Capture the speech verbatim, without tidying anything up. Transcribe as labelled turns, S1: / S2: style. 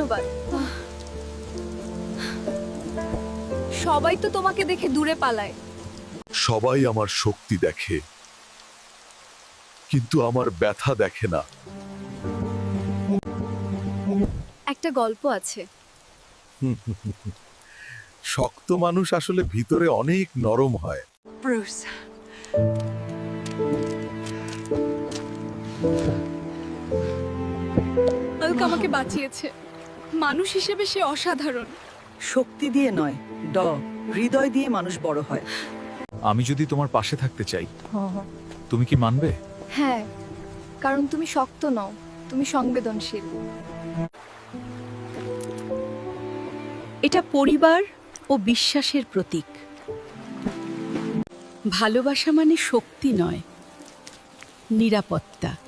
S1: ধন্যবাদ। সবাই তো তোমাকে দেখে দূরে পালায়।
S2: সবাই আমার শক্তি দেখে, কিন্তু আমার ব্যথা দেখে না।
S1: একটা গল্প আছে।
S2: শক্ত মানুষ আসলে ভিতরে অনেক নরম হয়।
S3: Bruce.
S1: হাল্ক আমাকে বাঁচিয়েছে। মানুষ হিসেবে সে অসাধারণ।
S4: শক্তি দিয়ে নয়, ড হৃদয় দিয়ে মানুষ বড় হয়।
S5: আমি যদি তোমার পাশে থাকতে চাই, তুমি কি মানবে?
S1: হ্যাঁ, কারণ তুমি শক্ত নও, তুমি সংবেদনশীল।
S6: এটা পরিবার ও বিশ্বাসের প্রতীক। ভালোবাসা মানে শক্তি নয়, নিরাপত্তা।